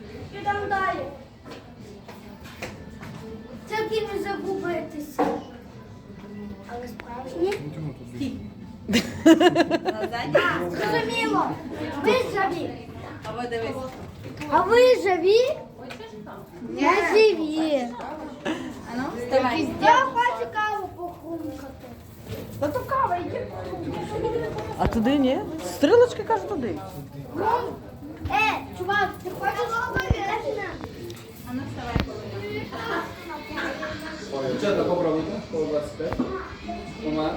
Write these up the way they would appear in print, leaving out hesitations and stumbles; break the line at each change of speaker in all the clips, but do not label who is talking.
Підемо далі. Тільки не загубитися. Але справжні? Зрозуміло. Ви живі. А ви живі? Не живі. Я хочу каву похрумкати. Та то кава, йди.
А туди ні? Стрілочки каже туди.
Чувак, ти хочеш говорити?
Дівчата, попробуйте. По 25. Тома.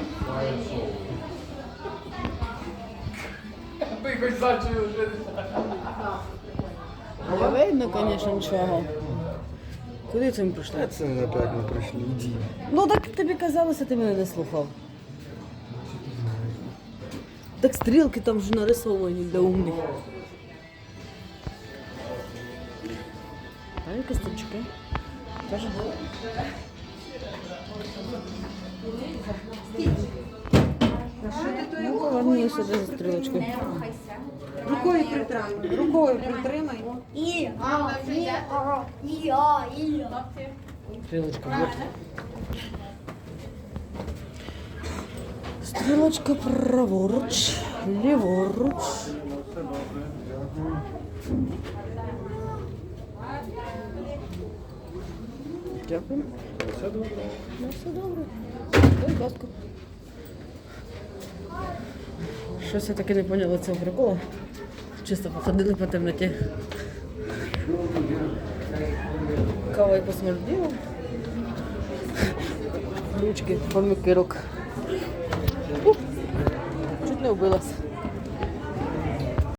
Ти хоч зачув вже.
Не видно, звісно, нічого. Куди це ми прийшли?
Це не опять не прийшли, іди.
Ну так тобі казалося, ти мене не слухав. Так стрілки там вже нарисовані для умних. А які стопчики? Теж? Ну, поверни сюди за стрілочкою.
Рукою притримай. Рукою притримай.
Стрілочка, вот. Стрілочка праворуч, ліворуч. Дякую.
Все добре.
Ну, все добре. Будь ласка. Щось я таки не поняла цього приколу. Чисто походили по темноті. Кава і посмерділа. Ручки, форми кирок. Чуть не вбилась.